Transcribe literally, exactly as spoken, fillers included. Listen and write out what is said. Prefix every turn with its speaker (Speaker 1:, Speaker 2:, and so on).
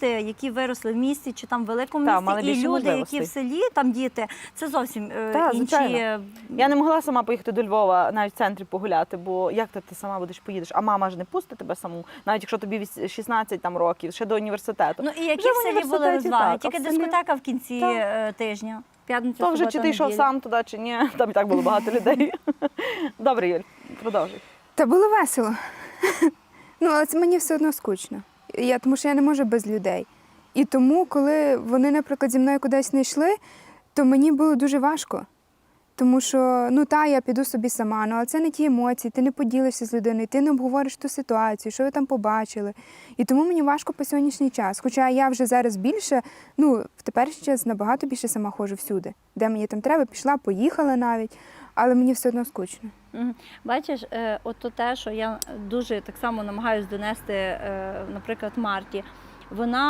Speaker 1: діти, які виросли в місті чи там в великому
Speaker 2: Та,
Speaker 1: місті,
Speaker 2: мали
Speaker 1: і
Speaker 2: більше
Speaker 1: люди,
Speaker 2: можливостей.
Speaker 1: які в селі, там діти, це зовсім е,
Speaker 2: Та,
Speaker 1: інші.
Speaker 2: звичайно. Я не могла сама поїхати до Львова, навіть в центрі погуляти, бо як ти, ти сама будеш поїдеш? А мама ж не пустить тебе саму, навіть якщо тобі вісь- шістнадцять там, років, ще до університету.
Speaker 1: Ну і які
Speaker 2: Вже
Speaker 1: в селі були
Speaker 2: університеті
Speaker 1: розваги?
Speaker 2: так, а
Speaker 1: Тільки
Speaker 2: в селі-
Speaker 1: дискотека в кінці
Speaker 2: Так.
Speaker 1: е, тижня. П'ятниця,
Speaker 2: То вже
Speaker 1: субота,
Speaker 2: чи ти йшов
Speaker 1: неділя.
Speaker 2: сам туди, чи ні, там і так було багато людей. Добре, Юль, продовжуй.
Speaker 3: Та було весело. Ну, але це мені все одно скучно. Я, тому що я не можу без людей. І тому, коли вони, наприклад, зі мною кудись не йшли, то мені було дуже важко. Тому що, ну та, я піду собі сама, ну, але це не ті емоції, ти не поділишся з людиною, ти не обговориш ту ситуацію, що ви там побачили. І тому мені важко по сьогоднішній час. Хоча я вже зараз більше, ну, в теперішній час набагато більше сама ходжу всюди. Де мені там треба, пішла, поїхала навіть, але мені все одно скучно.
Speaker 1: Мгм. Бачиш, е, от то те, що я дуже так само намагаюся донести, е, наприклад, Марті, вона